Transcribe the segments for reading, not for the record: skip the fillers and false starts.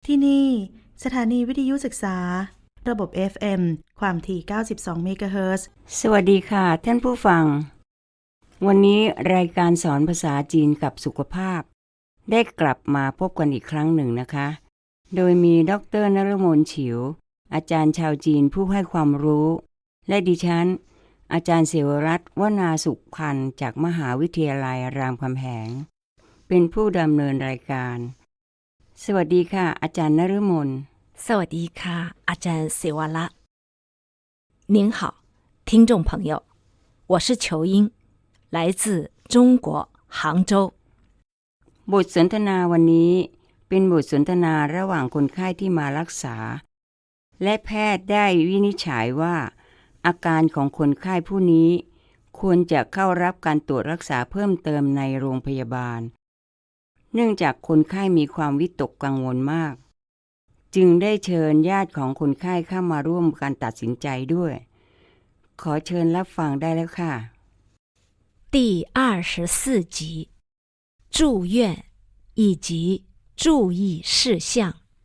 ที่นี่สถานีวิทยุศึกษาระบบ FM ความถี่92เมกะเฮิรตซ์สวัสดีค่ะท่านผู้ฟังวันนี้รายการสอนภาษาจีนกับสุขภาพได้กลับมาพบกันอีกครั้งหนึ่งนะคะโดยมีดร.นฤมลฉิวอาจารย์ชาวจีนผู้ให้ความรู้และดิฉันอาจารย์เสวรัตน์วนาสุขพันธ์จากมหาวิทยาลัยรามคำแหงเป็นผู้ดำเนินรายการสวัสดีค่ะอาจารย์นฤมลสวัสดีค่ะอาจารย์เสวรัตน์您好听众朋友我是裘英来自中国杭州บทสนทนาวันนี้เป็นบทสนทนาระหว่างคนไข้ที่มารักษาและแพทย์ได้วินิจฉัยว่าอาการของคนไข้ผู้นี้ควรจะเข้ารับการตรวจรักษาเพิ่มเติมในโรงพยาบาลเนื่องจากคนไข้มีความวิตกกังวลมากจึงได้เชิญญาติของคนไข้เข้ามาร่วมการตัดสินใจด้วยขอเชิญรับฟังได้แล้วค่ะ第24集住院以及注意事项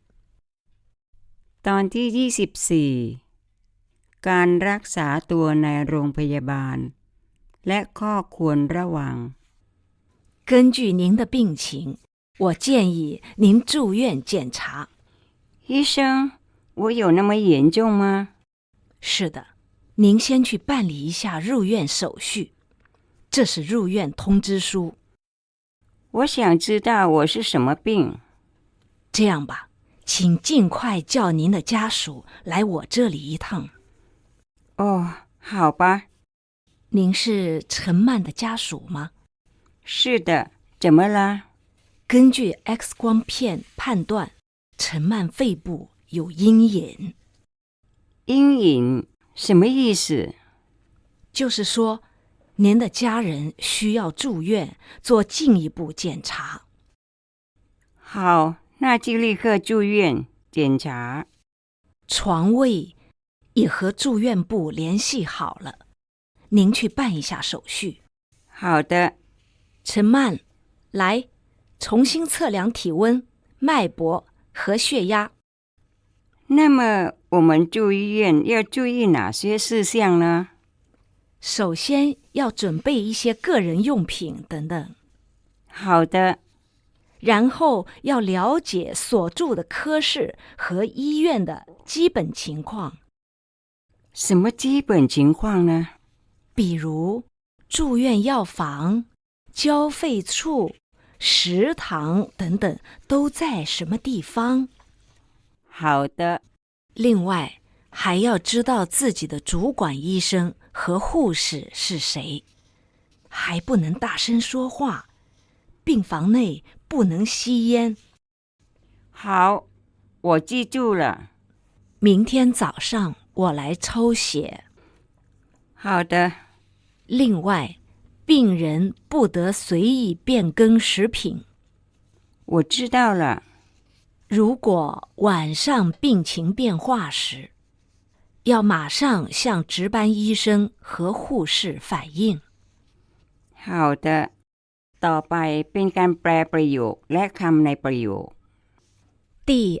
ตอนที่24การรักษาตัวในโรงพยาบาลและข้อควรระวัง根据您的病情我建议您住院检查医生我有那么严重吗是的您先去办理一下入院手续这是入院通知书我想知道我是什么病这样吧请尽快叫您的家属来我这里一趟哦好吧您是陈曼的家属吗是的怎么了根据 X 光片判断陈曼肺部有阴影阴影什么意思就是说您的家人需要住院做进一步检查好那就立刻住院检查床位也和住院部联系好了您去办一下手续好的陈曼来重新测量体温脉搏和血压那么我们住医院要注意哪些事项呢首先要准备一些个人用品等等好的然后要了解所住的科室和医院的基本情况什么基本情况呢比如住院药房交费处食堂等等都在什么地方好的另外还要知道自己的主管医生和护士是谁还不能大声说话病房内不能吸烟好我记住了明天早上我来抽血好的另外病人不得随意变更食品我知道了如果晚上病情变化时要马上向值班医生和护士反映好的ต่อไปเป็นการแปลประโยคและคำในประโยค第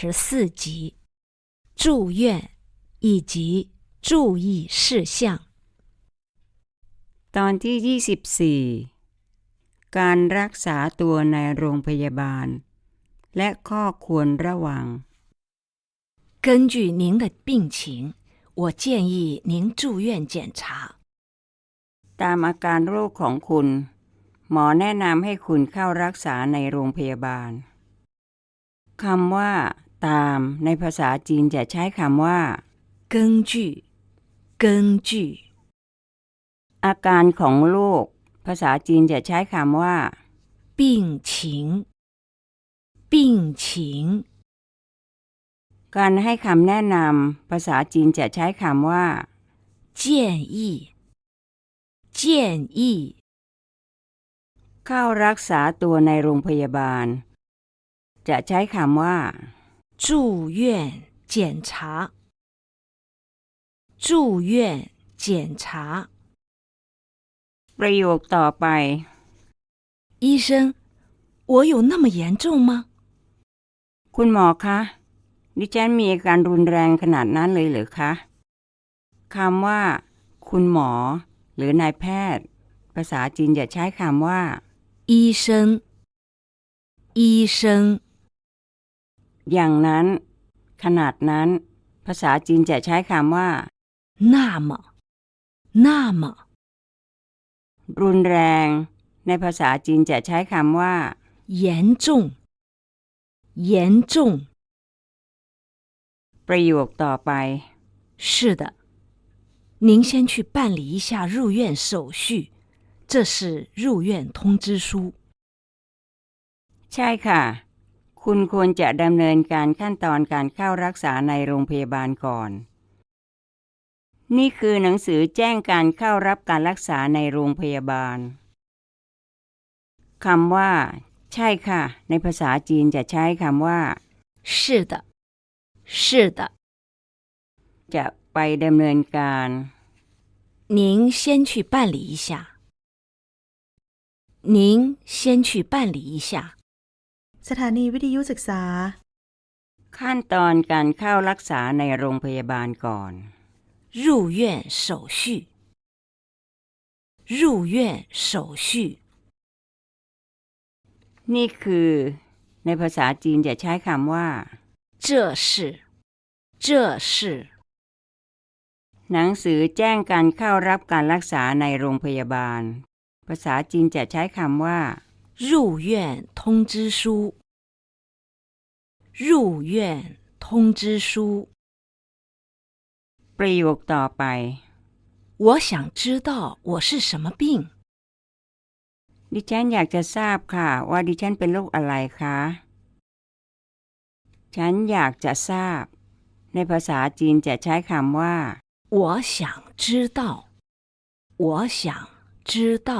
24集住院以及注意事项ตอนที่24การรักษาตัวในโรงพยาบาลและข้อควรระวัง根据您的病情我建议您住院检查ตามอาการโรคของคุณหมอแนะนำให้คุณเข้ารักษาในโรงพยาบาลคำว่าตามในภาษาจีนจะใช้คำว่า根据根据อาการของโรคภาษาจีนจะใช้คำว่า病情病情การให้คำแนะนำภาษาจีนจะใช้คำว่า建议建议เข้ารักษาตัวในโรงพยาบาลจะใช้คำว่า住院检查住院检查ประโยคต่อไป医生我有那么严重吗คุณหมอคะ ดิฉันมีอาการรุนแรงขนาดนั้นเลยเหรอคะคำว่า คุณหมอ หรือนายแพทย์ ภาษาจีนจะใช้คำว่า医生，医生， อย่างนั้น ขนาดนั้น ภาษาจีนจะใช้คำว่า那么，那么， รุนแรง ในภาษาจีนจะใช้คำว่า严重，严重。 ประโยคต่อไป是的，您先去办理一下入院手续，这是入院通知书。 ใช่ค่ะ คุณควรจะดำเนินการขั้นตอนการเข้ารักษาในโรงพยาบาลก่อน นี่คือหนังสือแจ้งการเข้ารับการรักษาในโรงพยาบาลคำว่า ใช่ค่ะ ในภาษาจีนจะใช้คำว่า是的，是的， จะไปดำเนินการ您先去办理一下。您先去办理一下。 สถานีวิทยุศึกษาขั้นตอนการเข้ารักษาในโรงพยาบาลก่อน入院手续，入院手续。 นี่คือ ในภาษาจีนจะใช้คำว่า这是，这是หนังสือแจ้งการเข้ารับการรักษาในโรงพยาบาล ภาษาจีนจะใช้คำว่า入院通知书，入院通知书。 ประโยคต่อไป我想知道我是什么病。 ดิฉันอยากจะทราบค่ะ ว่าดิฉันเป็นโรคอะไรคะ ฉันอยากจะทราบ ในภาษาจีนจะใช้คำว่า我想知道，我想知道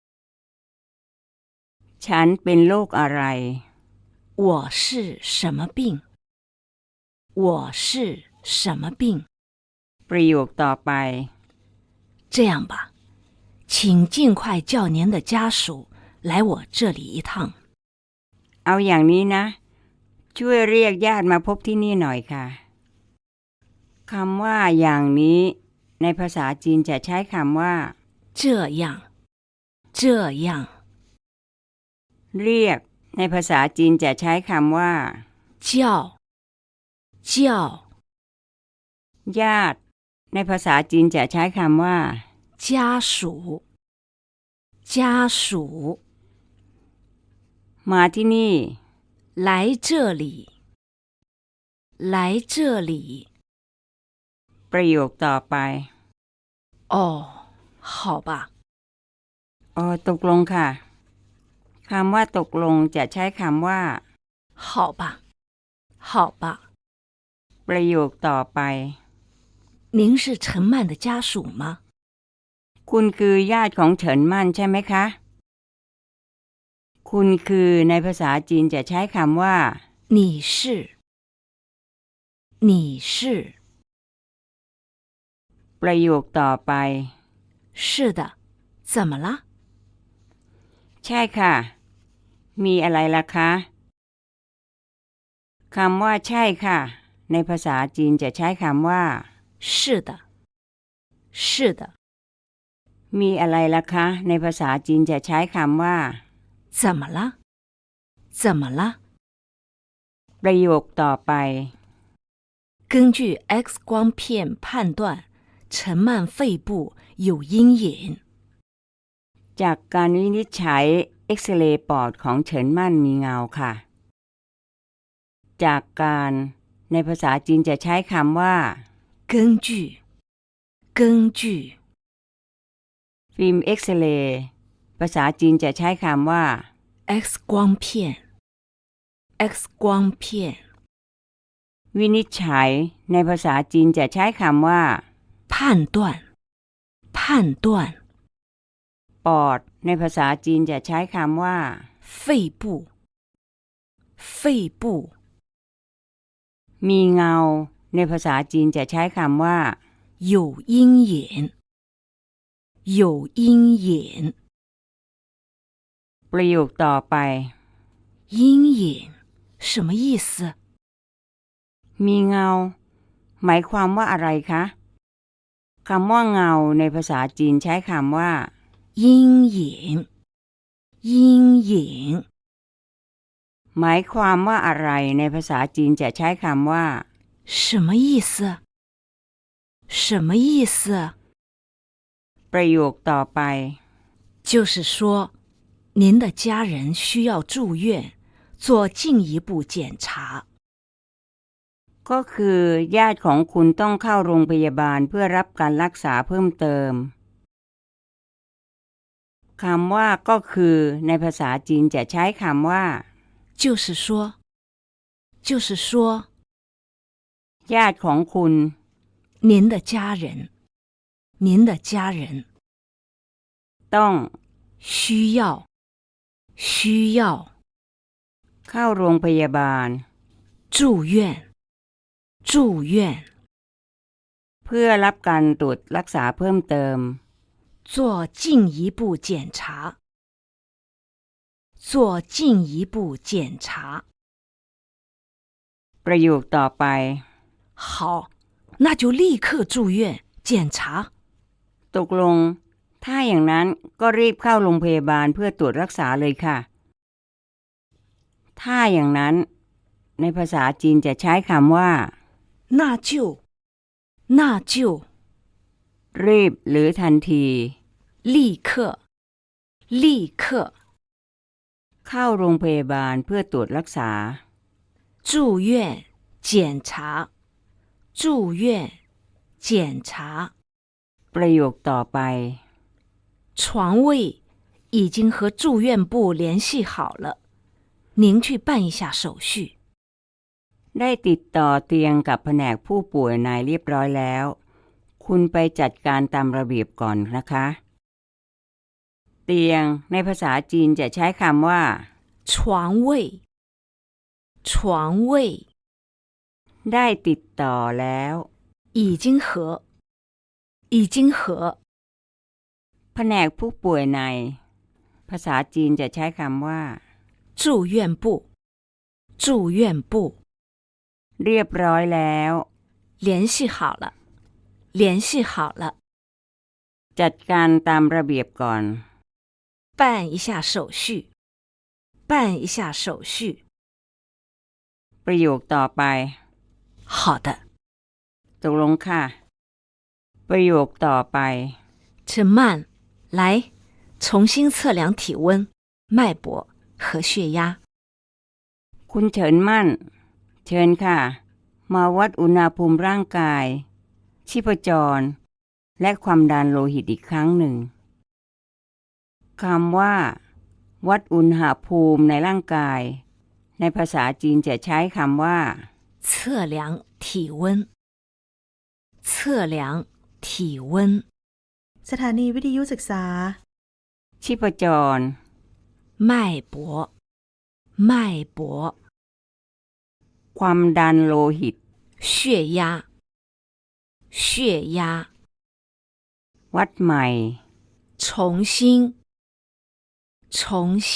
ฉันเป็นโรคอะไร我是什么病，我是什么病。 ประโยคต่อไป这样吧，请尽快叫您的家属来我这里一趟。 เอาอย่างนี้นะ ช่วยเรียกญาติมาพบที่นี่หน่อยค่ะคำว่าอย่างนี้ ในภาษาจีนจะใช้คำว่า这样，这样， เรียก ในภาษาจีนจะใช้คำว่า叫，叫， ญาติ ในภาษาจีนจะใช้คำว่า家属，家属， มาที่นี่来这里，来这里。 ประโยคต่อไป哦，好吧， อ๋อตกลงค่ะคำว่าตกลงจะใช้คำว่า好吧，好吧。 ประโยคต่อไป您是陈曼的家属吗？ คุณคือญาติของเฉินมั่นใช่ไหมคะ คุณคือในภาษาจีนจะใช้คำว่า你是，你是。 ประโยคต่อไป是的，怎么了？ ใช่ค่ะ มีอะไรล่ะคะคำว่าใช่ค่ะ ในภาษาจีนจะใช้คำว่า是的，是的。 มีอะไรล่ะคะ ในภาษาจีนจะใช้คำว่า怎么了？怎么了？ ประโยคต่อไป根据 X 光片判断，陈曼肺部有阴影。 จากการวินิจฉัยเอ็กซเรย์ปอดของเฉินมั่นมีเงาค่ะ จากการ ในภาษาจีนจะใช้คำว่า根据，根据， ฟิล์มเอ็กซเรย์ภาษาจีนจะใช้คำว่า X 光片，X 光片。 วินิจฉัย ในภาษาจีนจะใช้คำว่า判断，判断。 ปอด ในภาษาจีนจะใช้คำว่า肺部，肺部。 มีเงา ในภาษาจีนจะใช้คำว่า有阴影，有阴影。 ประโยคต่อไป阴影什么意思？ มีเงา หมายความว่าอะไรคะคำว่าเงาในภาษาจีนใช้คำว่า阴影阴影หมายความว่าอะไรในภาษาจีนจะใช้คำว่า什么意思什么意思ประโยคต่อไป就是说您的家人需要住院做进一步检查ก็คือญาติของคุณต้องเข้าโรงพยาบาลเพื่อรับการรักษาเพิ่มเติมคำว่าก็คือในภาษาจีนจะใช้คำว่า就是说就是说ญาติของคุณ您的家人您的家人ต้อง需要需要เข้าโรงพยาบาล住院住院เพื่อรับการตรวจรักษาเพิ่มเติม做进一步检查做进一步检查ประโยคต่อไป好那就立刻住院检查ตกลงถ้าอย่างนั้นก็รีบเข้าโรงพยาบาลเพื่อตรวจรักษาเลยค่ะถ้าอย่างนั้นในภาษาจีนจะใช้คำว่า那就那就รีบหรือทันที立刻立刻เข้าโรงพยาบาลเพื่อตรวจรักษา住院检查住院检查ประโยคต่อไป床位已经和住院部联系好了您去办一下手续ได้ติดต่อเตียงกับแผนกผู้ป่วยนายเรียบร้อยแล้วคุณไปจัดการตามระเบียบก่อนนะคะเตียงในภาษาจีนจะใช้คำว่า床位床位ได้ติดต่อแล้ว已经和已经和แผนกผู้ป่วยในภาษาจีนจะใช้คำว่า住院部住院部เรียบร้อยแล้ว联系好了联系好了จัดการตามระเบียบก่อน办一下手续办一下手续ประโยคต่อไป好的ตกลงค่ะประโยคต่อไป陈曼来重新测量体温脉搏和血压คุณเฉินมั่นเชิญค่ะมาวัดอุณหภูมิร่างกายชีพจรและความดันโลหิตอีกครั้งหนึ่งคำว่าวัดอุณหภูมิในร่างกายในภาษาจีนจะใช้คำว่า测量体温测量体温สถานีวิทยุศึกษาชีพจร脉搏脉搏ความดันโลหิต血压血压วัดใหม่重新重新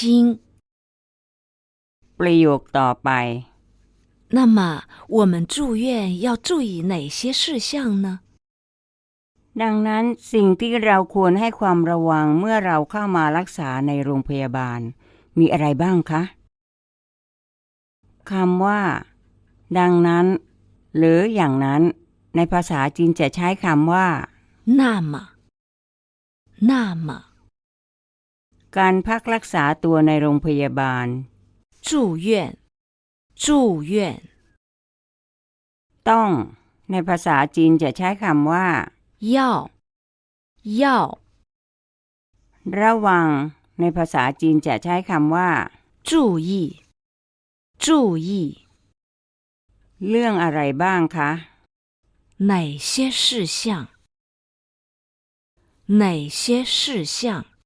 ประโยคต่อไป那么我们住院要注意哪些事项呢ดังนั้นสิ่งที่เราควรให้ความระวังเมื่อเราเข้ามารักษาในโรงพยาบาลมีอะไรบ้างคะคำว่าดังนั้นหรืออย่างนั้นในภาษาจีนจะใช้คำว่า那么那么การพักรักษาตัวในโรงพยาบาล住院住院ต้องในภาษาจีนจะใช้คำว่า要要ระวังในภาษาจีนจะใช้คำว่า注意注意เรื่องอะไรบ้างคะ哪些事项哪些事项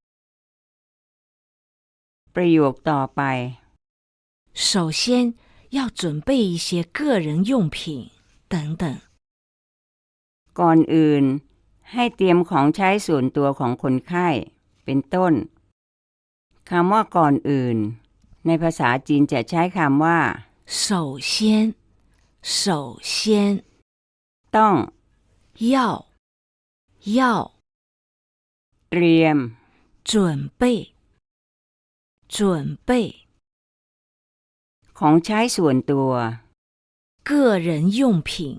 ประโยคต่อไป首先要准备一些个人用品等等ก่อนอื่นให้เตรียมของใช้ส่วนตัวของคนไข้เป็นต้นคำว่าก่อนอื่นในภาษาจีนจะใช้คำว่า首先首先ต้อง要เตรียม准备ของใช้ส่วนตัว个人用品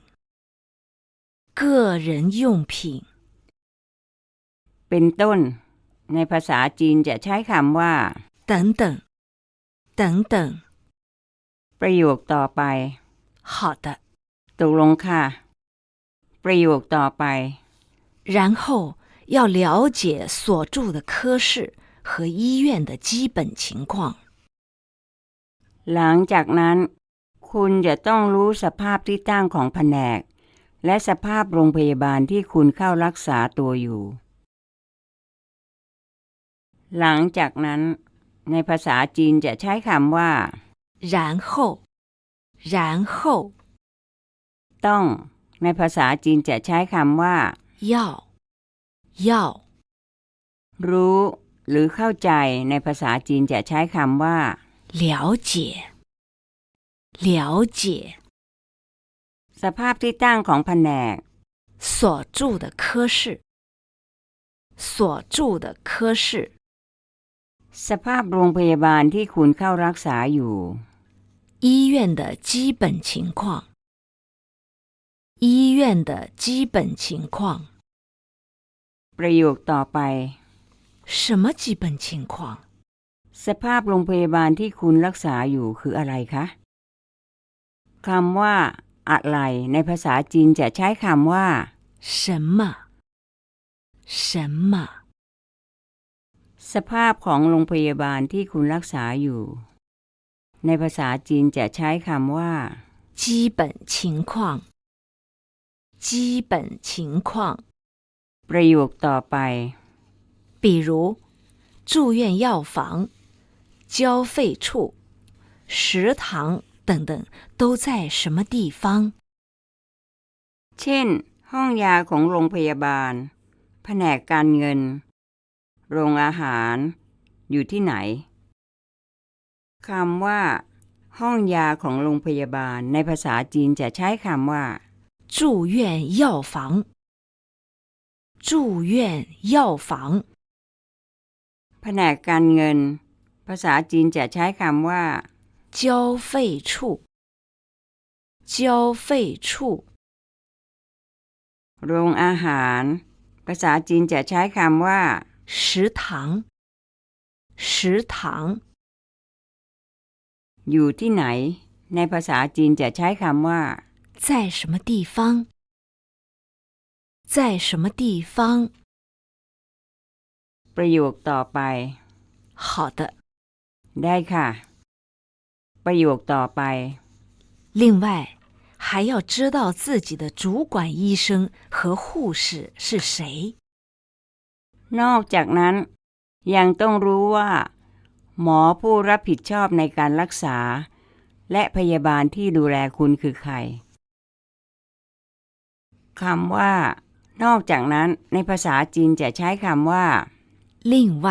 เป็นต้น ในภาษาจีนจะใช้คำว่า等等ประโยคต่อไป好的ตกลงค่ะ ประโยคต่อไป然后要了解所住的科室和医院的基本情况หลังจากนั้น คุณจะต้องรู้สภาพที่ตั้งของแผนก และสภาพโรงพยาบาลที่คุณเข้ารักษาตัวอยู่ หลังจากนั้น ในภาษาจีนจะใช้คำว่า然后ต้อง ในภาษาจีนจะใช้คำว่า要รู้ หรือเข้าใจ ในภาษาจีนจะใช้คำว่า了解สภาพที่ตั้งของแผนก所住的科室สภาพโรงพยาบาลที่คุณเข้ารักษาอยู่医院的基本情况ประโยคต่อไป什么基本情况สภาพโรงพยาบาลที่คุณรักษาอยู่คืออะไรคะคำว่า อะไร ในภาษาจีนจะใช้คำว่า什么สภาพของโรงพยาบาลที่คุณรักษาอยู่ ในภาษาจีนจะใช้คำว่า基本情况ประโยคต่อไป比如住院药房交费处食堂等等都在什么地方เช่น ห้องยาของโรงพยาบาล แผนกการเงิน โรงอาหาร อยู่ที่ไหน คำว่า ห้องยาของโรงพยาบาล ในภาษาจีนจะใช้คำว่า住院药房แผนกการเงิน ภาษาจีนจะใช้คำว่า交费处โรงอาหาร ภาษาจีนจะใช้คำว่า食堂อยู่ที่ไหน ในภาษาจีนจะใช้คำว่า在什么地方ประโยคต่อไป好的ได้ค่ะ ประโยคต่อไป另外还要知道自己的主管医生和护士是谁นอกจากนั้น ยังต้องรู้ว่า หมอผู้รับผิดชอบในการรักษา และพยาบาลที่ดูแลคุณคือใคร คำว่า นอกจากนั้น ในภาษาจีนจะใช้คำว่า另外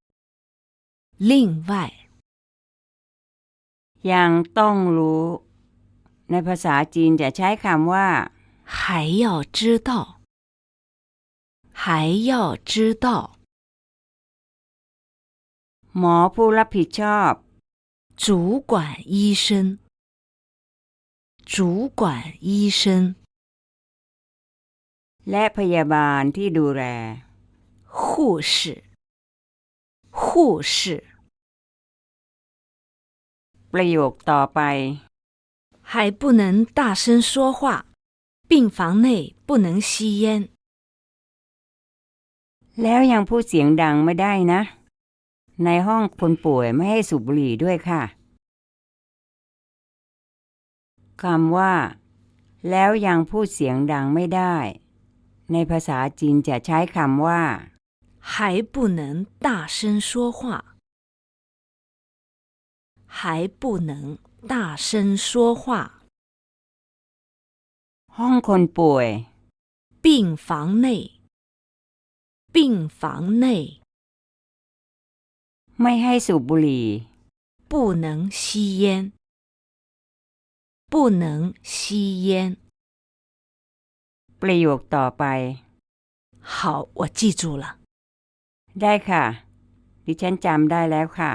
ยังต้องรู้ ในภาษาจีนจะใช้คำว่า还要知道หมอผู้รับผิดชอบ主管医生และพยาบาลที่ดูแล护士ประโยคต่อไป还不能大声说话病房内不能吸烟แล้วยังพูดเสียงดังไม่ได้นะ ในห้องคนป่วยไม่ให้สูบบุหรี่ด้วยค่ะ คำว่า แล้วยังพูดเสียงดังไม่ได้ ในภาษาจีนจะใช้คำว่า还不能大声说话ห้องคนป่วย病房内ไม่ให้สูบบุหรี่不能吸烟不能吸烟。 ประโยคต่อไป好，我记住了。 ได้ค่ะ ดิฉันจำได้แล้วค่ะ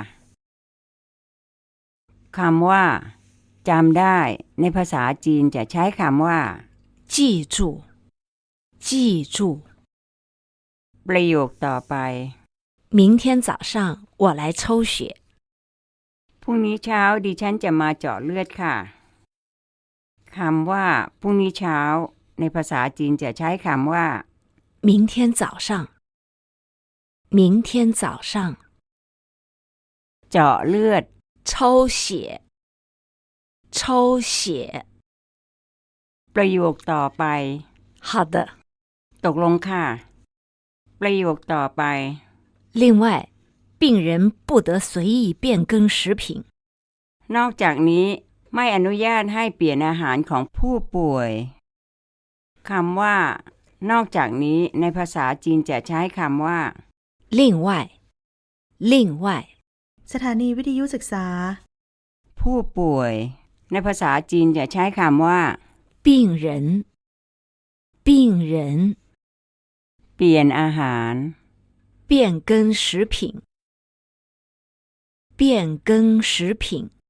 คำว่าจำได้ในภาษาจีนจะใช้คำว่า记住，记住。 ประโยคต่อไป明天早上我来抽血。 พรุ่งนี้เช้าดิฉันจะมาเจาะเลือดค่ะคำว่าพรุ่งนี้เช้าในภาษาจีนจะใช้คำว่า明天早上，明天早上เจาะเลือด抽血，抽血。 ประโยคต่อไป好的。 ตกลงค่ะ ประโยคต่อไป另外，病人不得随意变更食品。 นอกจากนี้ไม่อนุญาตให้เปลี่ยนอาหารของผู้ป่วยคำว่านอกจากนี้ในภาษาจีนจะใช้คำว่า另外，另外。 สถานีวิทยุศึกษาผู้ป่วยในภาษาจีนจะใช้คำว่า病人，病人。 เปลี่ยนอาหาร变更食品，变更食品。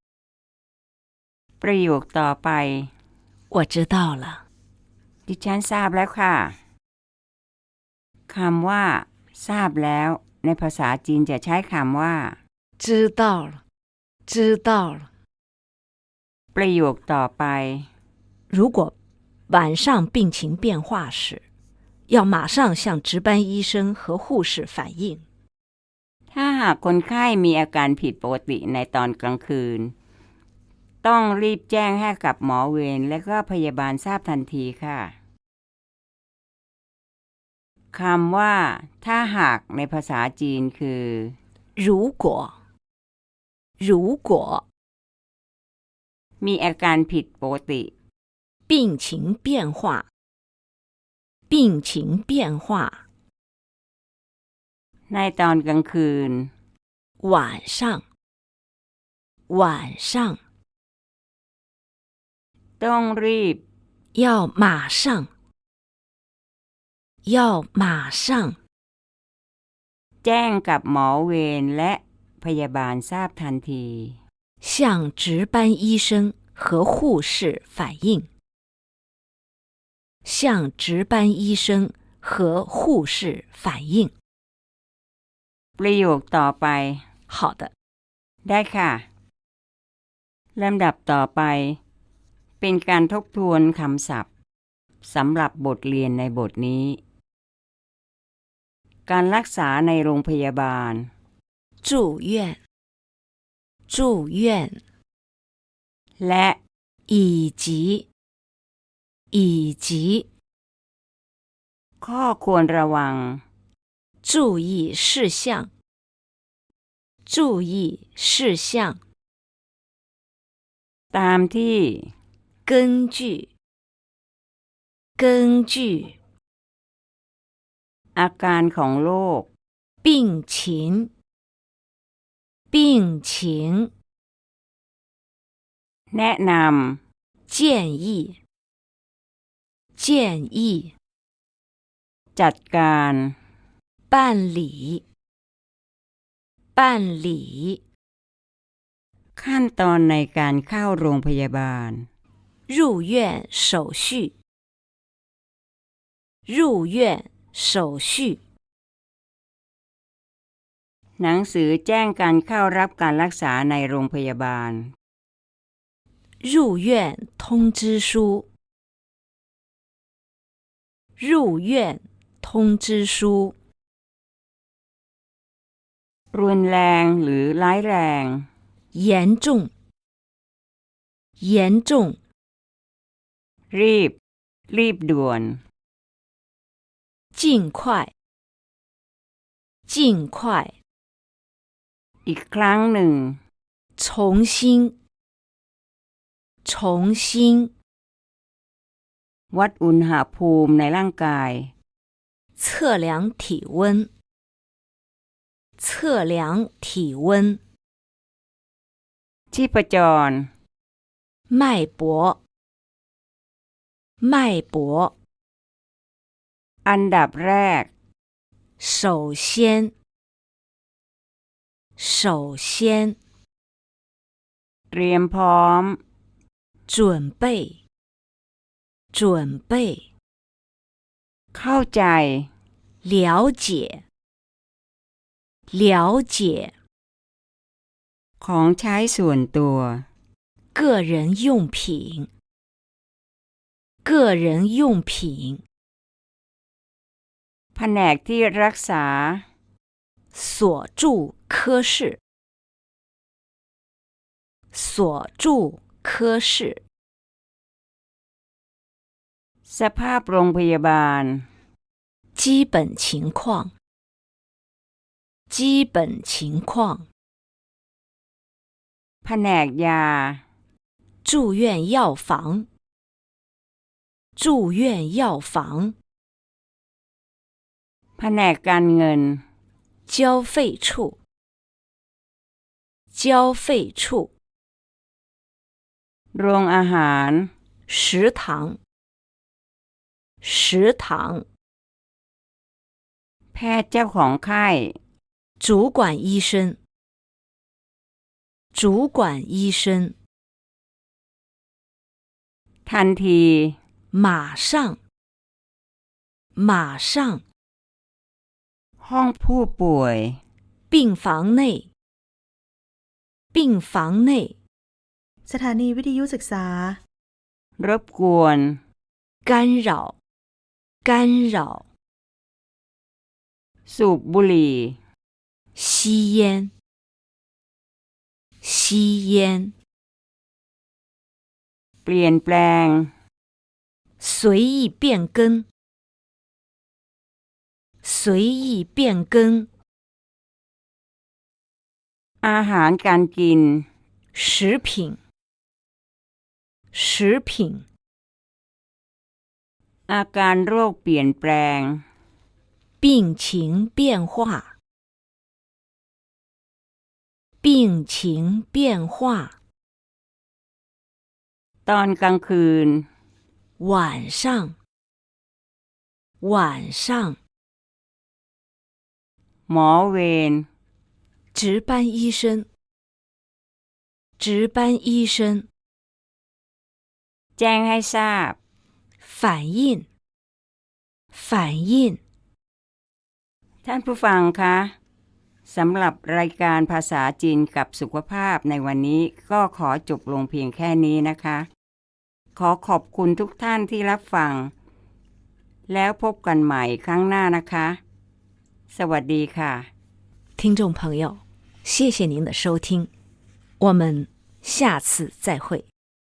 ประโยคต่อไป我知道了。 ดิฉันทราบแล้วค่ะคำว่าทราบแล้วในภาษาจีนจะใช้คำว่า知道了，知道了。 ประโยคต่อไป如果晚上病情变化时，要马上向值班医生和护士反映。 ถ้าหากคนไข้มีอาการผิดปกติในตอนกลางคืนต้องรีบแจ้งให้กับหมอเวรและก็พยาบาลทราบทันทีค่ะคำว่าถ้าหากในภาษาจีนคือ如果，如果。 มีอาการผิดปกติ病情变化，病情变化。 ในตอนกลางคืน晚上，晚上。 ต้องรีบ要马上，要马上。 แจ้งกับหมอเวรและพยาบาลทราบทันที向值班医生和护士反映，向值班医生和护士反映。 ประโยคต่อไป好的。 ได้ค่ะลำดับต่อไปเป็นการทบทวนคำศัพท์สำหรับบทเรียนในบทนี้การรักษาในโรงพยาบาล住院，住院。 และ以及，以及。 ข้อควรระวัง注意事项，注意事项。 ตามที่根据，根据。 อาการของโรค病情，病情。 แนะน建议，建议。 ำจัดการ办理，办理。 ขั้นตอนในการเข้าโรงพยาบาล入院手续，入院手续。 หนังสือแจ้งการเข้ารับการรักษาในโรงพยาบาล入院通知书，入院通知书。 รุนแรงหรือร้ายแรง严重，严重。 รีบ รีบด่วน尽快，尽快。 อีกครั้งหนึ่ง重新，重新。 วัดอุณหภูมิในร่างกาย测量体温，测量体温。 ชีพจร脉搏，脉搏。 อันดับแรก首先，首先， เตรียมพร้อม准备，准备， เข้าใจ了解，了解， ของใช้ส่วนตัว个人用品，个人用品， แผนกที่รักษา锁住科室，锁住科室， สภาพโรงพยาบาล基本情况，基本情况， แผนกยา住院药房，住院药房， แผนกการเงิน交费处，交费处， โรงอาหาร食堂，食堂， แพทย์เจ้าของไข้主管医生，主管医生， ทันที马上，马上， ห้องผู้ป่วย病房内，病房内， สถานีวิทยุศึกษารบกวน干扰，干扰， สูบบุหรี่吸烟，吸烟， เปลี่ยนแปลง随意变更，随意变更， อาหารการกิน食品，食品， อาการโรคเปลี่ยนแปลง病情变化，病情变化， ตอนกลางคืน晚上，晚上， หมอเวร值班医生，值班医生， แจ้งให้ทราบ反应，反应。 ท่านผู้ฟังคะสำหรับรายการภาษาจีนกับสุขภาพในวันนี้ก็ขอจบลงเพียงแค่นี้นะคะ ขอขอบคุณทุกท่านที่รับฟัง แล้วพบกันใหม่ครั้งหน้านะคะ สวัสดีค่ะ听众朋友，谢谢您的收听，我们下次再会。